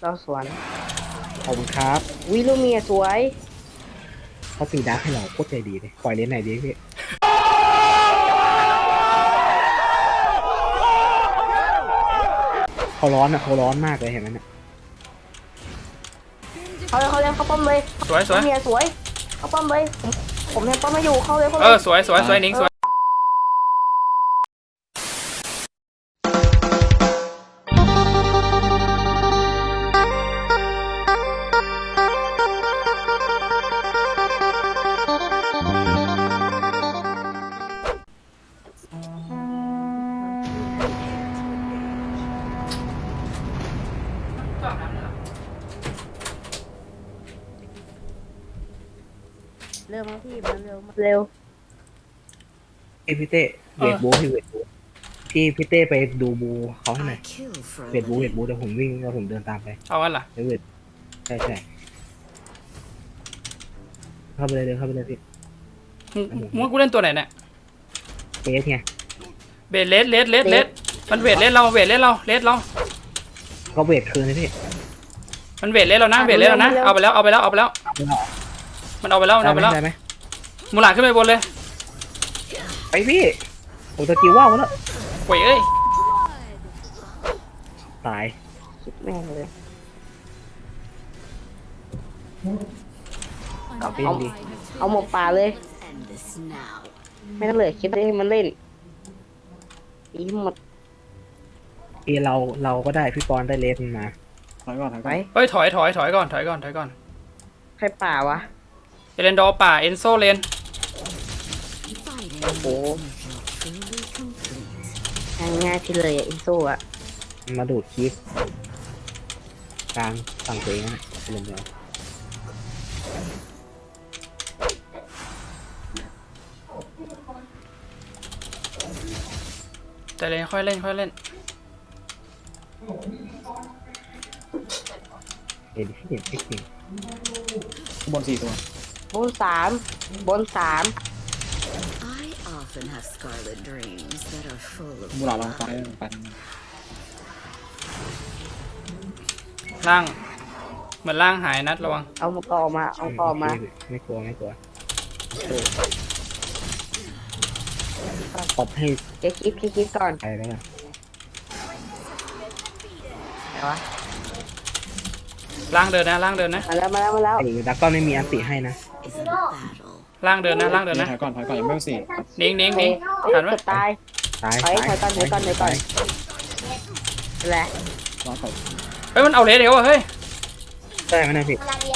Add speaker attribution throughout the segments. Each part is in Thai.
Speaker 1: เราสวน
Speaker 2: ขอบคุณครับ
Speaker 1: วิลูเมียสวย
Speaker 2: เขาตีดาร์กให้เราโคตรใจดีเลยปล่อยเลนไหนดีพี่เขาร้อนอ่ะเขาร้อนมากเลยเห็นไหมเนี่ย
Speaker 1: เขาเล่นเขาป้อมเลย
Speaker 3: สวยสวย
Speaker 1: ลูเมียสวยเขาป้อมเลยผมยังป้อมมาอยู่เข้าเลย
Speaker 3: สวยสวยสวยนิ้งสวย
Speaker 1: เร็วมาพี่มันเร็ว
Speaker 2: พี่เต้เวทบูพี่เวทบูพี่เต้ไปดูบูเขาให้หน่อยเวทบูเดี๋ยวผมวิ่งแล้วผมเดินตามไป
Speaker 3: เอางั้นเหรอ
Speaker 2: เวทใช่เข้าไปเลยเดินเข้าไปเลยพี่
Speaker 3: มึงกูเล่นตัวไหนเนี่ย
Speaker 2: เบสไง
Speaker 3: เบสเลสมันเวทเลสเรา
Speaker 2: ก็เวทคืนเลยพี่
Speaker 3: มันเวทเลสเรานะเอาไปแล้วมันเอาไปแล้ว
Speaker 2: ได้ไหม
Speaker 3: มูหลานขึ้นไปบนเลย
Speaker 2: ไปพี่โอ้ตะกี้ว่าวแล้ว
Speaker 3: โว้ยเอ้ย
Speaker 2: ตาย
Speaker 1: คิดแม่งเลยเอาหมกป่าเลยไม่ต้องเหลือคิดเลยให้มันเล่นอีหมด
Speaker 2: เราก็ได้พี่ปอนได้เลสมา
Speaker 4: ถอยก่อน
Speaker 1: ไป
Speaker 3: เฮ้ยถอยก่อน
Speaker 1: ใครป่าวะ
Speaker 3: เอเลนดอร์ป่าเอนโซเลน
Speaker 1: โอ้โหง่ายที่เลยอินโซ่อะ
Speaker 2: มาดูดคลิปกลางฝั่งตัวเองนะเล่นเดียว
Speaker 3: แต่เลนค่อยเล่น
Speaker 2: เห็นที่เห็นจริง
Speaker 4: บน4 ตัว
Speaker 1: บนสาม
Speaker 4: มูหลาดลองไป
Speaker 3: ล่างเหมือนล่างหายนัดระวัง
Speaker 1: เอามากอมา
Speaker 2: ไม่กลัวตบให้
Speaker 1: คิดก่อน
Speaker 2: ไปแล้วกัน
Speaker 1: ไหนวะ
Speaker 3: ล่างเดินนะ
Speaker 1: มาแล้ว
Speaker 2: ไอ้ดักก้อนไม่มีอันติให้นะ
Speaker 3: ล่างเดินนะ
Speaker 4: ถอยก่อนยังไม่สี่
Speaker 3: นิ้งหันไหม
Speaker 1: ตายถอยก่อนแหละ
Speaker 4: รอถอย
Speaker 3: เฮ้ยมันเอาเลสเดี๋ยวเฮ้ย
Speaker 2: ได้ไหมนะพี่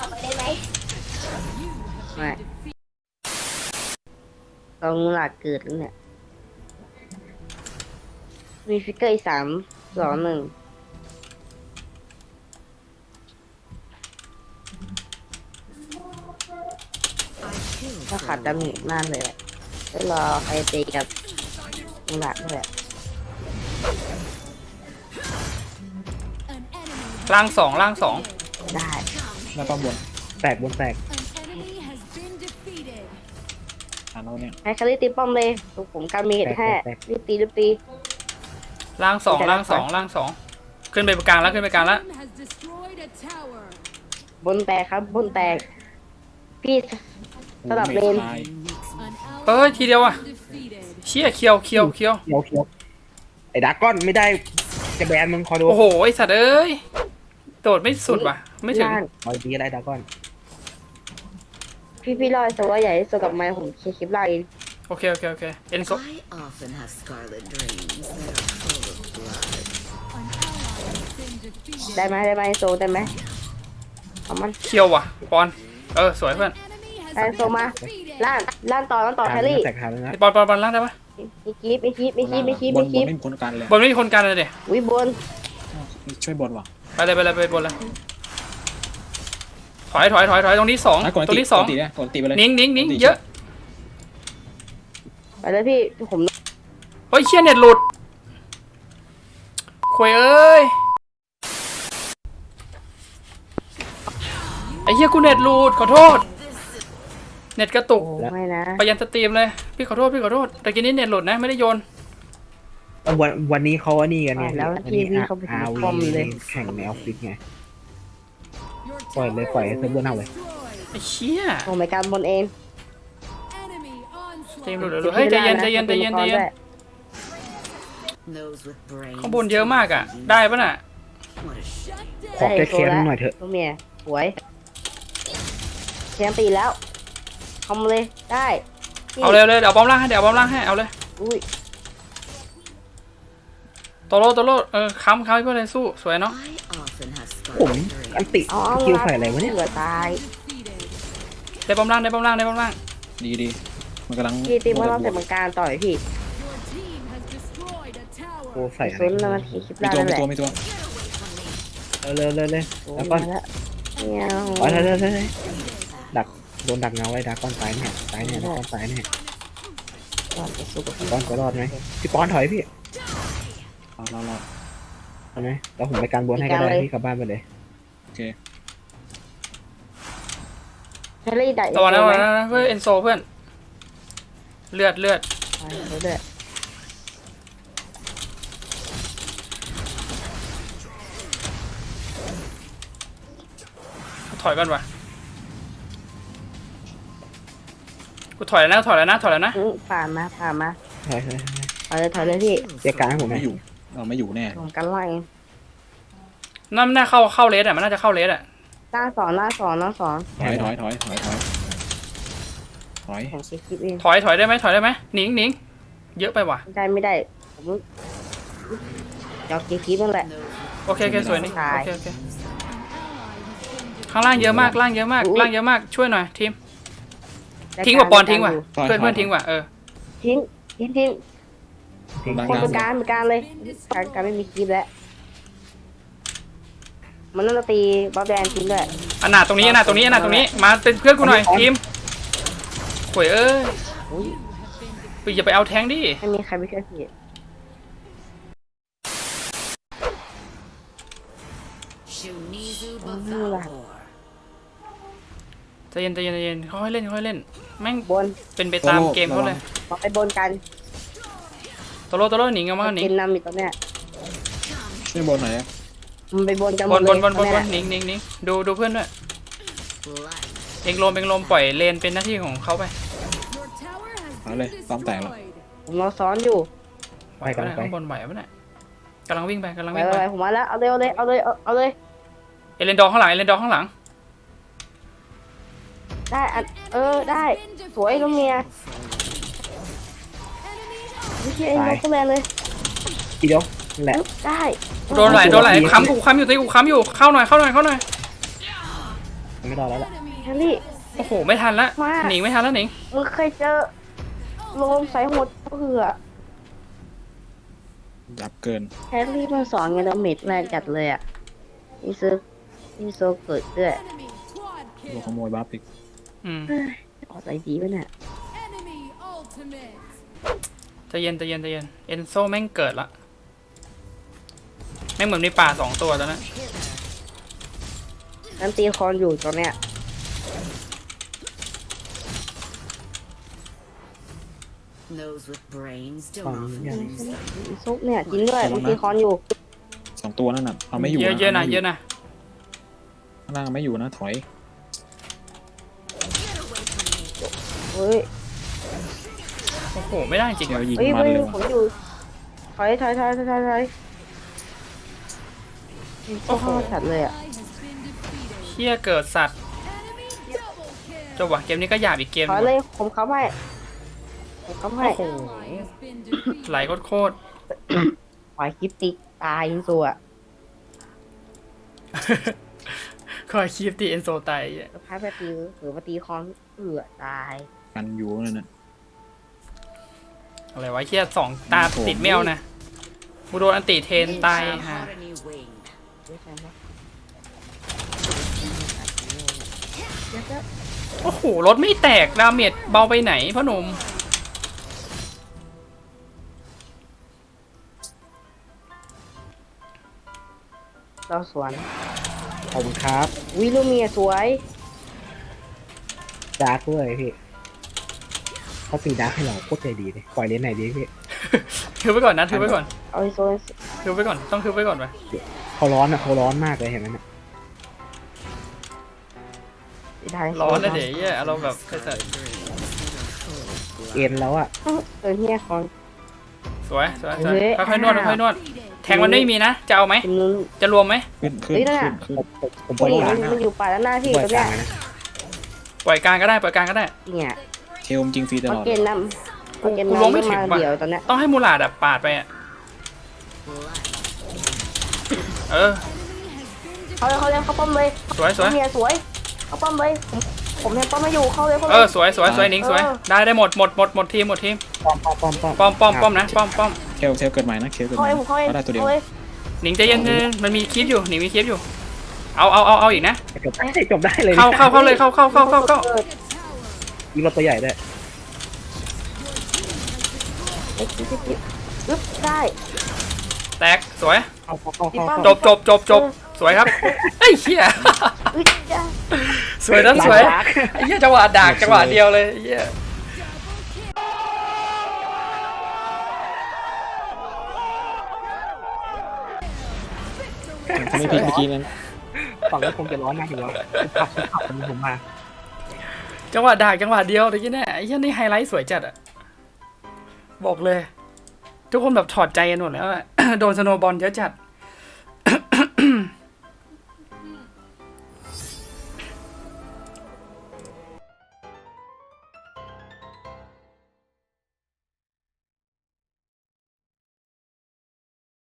Speaker 1: ไม่ลองหลักเกิดแล้วเนี่ยมีฟิกเกอร์อีก3 2 1ถ้าขาดดาเมจมากเลยก็รอใครตีกับหลักด้วย
Speaker 3: ล่างสอง
Speaker 1: ได้
Speaker 4: แล้วก็บน
Speaker 2: แตก
Speaker 4: เราเนี่ย
Speaker 1: ให้คาริตีป้อมเลยผมการมีเหตุแค่รีบตี
Speaker 3: ล่างสองขึ้นไปกลางแล้ว
Speaker 1: บนแตกครับบนแตกพี่สลับเลน
Speaker 3: เฮ้ยทีเดียวอ่ะเชี่ยเคียว
Speaker 2: ไอ้ดักก้อนไม่ได้จะแบนมึงคอยดู
Speaker 3: โอ้โหไอสัตว์เอ้ยโดดไม่สุดว่ะไม่ถึง
Speaker 2: คอยดีอะไรดักก้อน
Speaker 1: พี่ลอยสว่าใหญ่ที่สุดกับไม้ผมคลิปไลน์
Speaker 3: โอเคเอ็นโซ
Speaker 1: ได้ไหมโซได้ไหมเอามัน
Speaker 3: เคียวว่ะปอนสวยเพื่อน
Speaker 1: ได้โซมาล่างต่อแฮร์รี่
Speaker 3: ปอนล่างได้ปะ
Speaker 1: มีคลิป
Speaker 4: บนไม่มีคนกันเลย
Speaker 3: บนไม่มีคนกันเลยเดี๋ยว
Speaker 1: วิบน
Speaker 4: ช่วยบนว่ะ
Speaker 3: ไปเลยไปบนเลยถอยตรงนี้2ตรงนี้2
Speaker 4: ตีไปเลย
Speaker 3: นิ้งเยอะ
Speaker 1: ไปเลยพี่ผม
Speaker 3: เฮ้ยเชี่ยเน็ตหลุดคุยเอ้ยไอ้เหี้ยกูเน็ตหลุดขอโทษเน็ตกระตุก
Speaker 1: ไม่นะ
Speaker 3: ไปยันสตรีมเลยพี่ขอโทษแต่กินนี้เน็ตหลุดนะไม่ได้โยน
Speaker 2: วันนี้เขาว่านี่กันไง
Speaker 1: แล้วทีวีเขาไปป้อมเลย
Speaker 2: แข่งในออฟฟิศไงปล่อยเลยปล่อยให้เซิร์ฟเวอร์เน่าเลย
Speaker 3: ไอ้เชี่ย
Speaker 1: โอ้ไม่การบนเอง
Speaker 3: เจมส์หลุดเฮ้ยใจเย็นใจเย็นใจเย็นใจเย็นข้างบนเยอะมากอ่ะได้ปะน่ะ
Speaker 2: ขอแก้แค้นหน่อยเถอะ
Speaker 1: ลูกเมียสวยเชียงตีแล้วทำเลยได้
Speaker 3: เอาเร็วเลยเดี๋ยวบอมล่างให้เดี๋ยวบอมล่างให้เอาเลย
Speaker 1: อุ้ย
Speaker 3: โตโร่ค้ำให้เพื่อนเลยสู้สวยเนาะ
Speaker 2: ผมอันติ
Speaker 1: เอา
Speaker 2: คิวใส่อะไรวะเนี่ย
Speaker 1: เหลือตาย
Speaker 3: ได้บอมล่างได้บอมล่างได้บอมล่าง
Speaker 4: ดีมันกำลัง
Speaker 1: พี่ตีว่าเราแต่มังการต่อยพี่
Speaker 2: โอ้ใส่อะไร
Speaker 1: ซุนแล้วมันคลิป
Speaker 4: มี
Speaker 1: ได้
Speaker 4: ตัว
Speaker 1: นั่น
Speaker 4: มี
Speaker 1: แหละ
Speaker 4: ตัวมีตัว
Speaker 2: เลย
Speaker 1: โอ้
Speaker 2: แล้ว
Speaker 1: ย
Speaker 2: ก็
Speaker 1: มาแล้วเนี่ย
Speaker 2: ไปเลยดักโดนดักเงาไว้ดักก้อนตายเนี่ยตายเนี่ยดักก้อนตายเนี่ย
Speaker 1: ก่อนจะสู้กับพี่
Speaker 2: ก้อนจะรอดไหมพี่ป้อนถอยพี่
Speaker 4: เรา
Speaker 2: เอาไหมแล้วผมไปการบนให้ก็ได้พี่กลับบ้านไปเลย
Speaker 4: โอเค
Speaker 1: เฮลี่ได้
Speaker 3: ระวังนะเพื่อนเอนโซเพื่อนเลือด
Speaker 1: ไปเรื่อย
Speaker 3: ถอยก่อนวะกูถอยแล้วนะ
Speaker 1: ผ่านมา
Speaker 2: ถอย
Speaker 1: ถอยเลยพี่
Speaker 2: เรียกการให้ผมไหม
Speaker 4: ไม่อยู่เราไม่อยู่แน่
Speaker 1: ผมกันไล่
Speaker 3: นั่นน่าเข้าเลสอ่ะมันน่าจะเข้าเลสอ่ะ
Speaker 1: หน้าสอน
Speaker 4: ถอย
Speaker 1: ผมเช็คคลิปเอง
Speaker 3: ถอยได้ไหมหนิงเยอะไปว่ะ
Speaker 1: ไม่ได้ผมยอกเช็คคลิปนั่นแหละ
Speaker 3: โอเคสวยนี่
Speaker 1: ตาย
Speaker 3: โอเคข้างล่างเยอะมากช่วยหน่อยทีมทิ้งว่ะปอนทิ้งว่ะเพื่อนทิ้งว่ะ
Speaker 1: ทิ้ง
Speaker 4: ดัง
Speaker 1: คนเป็นการเลยการไม่มีคลิปแล้วมันน่าจะตีบ๊อบแดนทิ้งด้วย
Speaker 3: อนาถตรงนี้มาเป็นเพื่อนกูหน่อยทีมโวยไปอย่าไปเอาแทงดิ
Speaker 1: ไม่มีใครไม่ช่วยพี่
Speaker 3: ใจเย็นค่อยเล่นแม่ง
Speaker 1: บน
Speaker 3: เป็นไปตามเกมเขาเลย
Speaker 1: มาไปบนกัน
Speaker 3: โตโร่หนิงเอามาหนิง
Speaker 1: กินนำอยู่ตรงเนี้ย
Speaker 4: ช่วยบนหน่อย
Speaker 1: มันไปบนกัน
Speaker 3: บนหนิงดูเพื่อนด้วยเองลมปล่อยเลนเป็นหน้าที่ของเขาไป
Speaker 4: เอาเลยซ้อมแตกแล้ว
Speaker 1: ผมรอซ้อนอยู่
Speaker 3: ไหวปะเนี่ยข้างบนไหวปะเนี่ยกำลังวิ่งไป
Speaker 1: ไปผมมาแล้วเอาเลย
Speaker 3: เอเลนดอร์ข้างหลัง
Speaker 1: ได้ได้สวยลูกเมียไม่ใช่ไอ้นกก็แรงเลย
Speaker 2: ทีเดียวนั่นแหละ
Speaker 1: ได้
Speaker 3: โดนไหลค้ำอยู่ตีกูค้ำอยู่เข้าหน่อย
Speaker 2: ไม่รอแล้วล่ะ
Speaker 1: แฮร์รี่
Speaker 3: โอ้โหไม่ทันละหนิงไม่ทันแล้วหนิง
Speaker 1: มึงเคยเจอโลมใส่หมดเผื่อ
Speaker 4: ยับเกิน
Speaker 1: แฮร์รี่มันสอนไงดาเมจแรงจัดเลยอ่ะนี่โซเกิดด้วย
Speaker 4: โดนขโมยบัฟอีก
Speaker 1: ออกใจดีป่ะเนี่ย
Speaker 3: ใจเย็นเอนโซแม่งเกิดละแม่งเหมือนมีป่า2 ตัวตอนนั้น
Speaker 1: นั่นตีคอนอยู่ตอนเนี้ย ซุปเนี่ยจริงด้วยมันตีคอนอยู่
Speaker 4: 2 ตัวนั่นน่ะเอาไม่อยู่
Speaker 3: เยอะนะ
Speaker 4: ข้างล่างไม่อยู่นะถอย
Speaker 1: เฮ้ย
Speaker 3: โอ้โหไม่ได้จริง
Speaker 4: เดี๋ยวยิง
Speaker 1: เฮ้ย
Speaker 4: มันเลย
Speaker 1: ผมอยู่ถอยโอ้โหสัตว์เลยอ่ะ
Speaker 3: เฮียเกิดสัตว์จบว่ะเกมนี้ก็หยาบอีกเกม
Speaker 1: ถอยเลยผมเข้าให้
Speaker 3: โอ้โหไหลโคตร
Speaker 1: ปล่อยคลิปติตายยิงสัว
Speaker 3: คอยคีบตีเอนโซตาย
Speaker 1: พายไปตีหรือว่าตีคอนตาย
Speaker 4: กันอยู่นั่นน่ะ
Speaker 3: อะไรวะเฮีย2 ตาติดแมวนะบูโดนอันติเทนตายฮะโอ้โหรถไม่แตกดาเมจเบาไปไหนพ่อหนุ่ม
Speaker 1: เราสวน
Speaker 2: ขอบคุณครับ
Speaker 1: วิลูเมียสวย
Speaker 2: ดาร์กด้วยพี่เขาตีดาร์กให้เราโคตรใจดีเลยปล่อยเลนไหนดีพี่
Speaker 3: ถือไว้ก่อนนะถือไว้ก่อน
Speaker 1: เอาไอโซน
Speaker 3: ถือไว้ก่อนต้องถือไว้ก่อนไป
Speaker 2: เขาร้อนมากเลยเห็นไหมเนี่ย
Speaker 1: ได้
Speaker 3: ร้อนนะเดี๋ยวเหี้ยอารมณ์แบบใส่
Speaker 2: เอ็นแล้วอ่ะ
Speaker 1: เนี่ยของ
Speaker 3: สวยสวยสวย
Speaker 1: เฮ้ย
Speaker 3: ค่อยๆนวดค่อยๆนวดแทงมันไม่มีนะจะเอาไหม
Speaker 1: คุณนุ้น
Speaker 3: จะรวมไหม
Speaker 4: ขึ้นขึ้น
Speaker 1: เฮ้ยนั่น
Speaker 4: ขึ้
Speaker 1: น่ะ
Speaker 4: นขึ้น
Speaker 2: ผมปล่อย
Speaker 1: นี่
Speaker 2: กลาง
Speaker 1: มันอยู่ป่าด้านหน้าพี่
Speaker 2: ปล่อย
Speaker 1: ตรง
Speaker 2: ก
Speaker 1: เนี้
Speaker 2: ลาย งนะ
Speaker 3: ปล่อยกลางก็ได้ปล่อยกลางก็ได้
Speaker 1: เนี่ย
Speaker 4: เทลจริงฟรีต
Speaker 1: มา
Speaker 4: ลอด
Speaker 1: เกณฑ์นำมาเกณฑ์
Speaker 3: กู
Speaker 1: นำ
Speaker 3: ลงไม่ถึง
Speaker 1: มา
Speaker 3: ว่ะ
Speaker 1: เดี๋ยวตอนเนี้ย
Speaker 3: ต้องให้มูลาดอะปาดไปอะเออ
Speaker 1: เขาเลยเขาป้อมเลย
Speaker 3: สวยสวย
Speaker 1: เนี่ยสวยเขาป้อมเลยผมยังป้อมไม่อยู่เข้าเลยเข้า
Speaker 3: เอ
Speaker 1: เล
Speaker 3: อย สวยสวยสวยหนิงสวยได้หมดทีมหมดทีม
Speaker 2: ป้อม
Speaker 3: ป้อมนะป้อม
Speaker 4: เทลเกิดใหม่นะเทลเกิดให
Speaker 1: เข้า
Speaker 4: ม่
Speaker 1: เลยผมเข้าเลย
Speaker 4: ก็ได้ตัวเดียว
Speaker 1: เข้าเลย
Speaker 3: หนิงใจเย็นมันมีคลิปอยู่หนิงมีคลิปอยู่เอาอีกนะ
Speaker 2: จบได้เลย
Speaker 3: เข้าเลยเข้า
Speaker 2: ยิงรถตัวใหญ่ได้
Speaker 1: ปึ๊บได้
Speaker 3: แตกสวย
Speaker 2: เข้า
Speaker 3: จบสวยครับไอ้เหี้ย
Speaker 1: อุ๊ยจ้า
Speaker 3: สวยนะสวยไอ้เหี้ยจังหวะดักจังหวะเดียวเลยไอ้เหี้ย
Speaker 4: ถ้าไม่พลิกเมื่อกี้นั้น
Speaker 2: ฝั่งนี้คงจะร้อนมากอยู่แล้วขับผมมา
Speaker 3: จังหวะดักจังหวะเดียวตะกี้เนี่ยไอ้เหี้ยนี่ไฮไลท์สวยจัดอะบอกเลย ทุกคนแบบถอดใจกันหมดแล้วอะ โดนสโนว์บอลเยอะจัด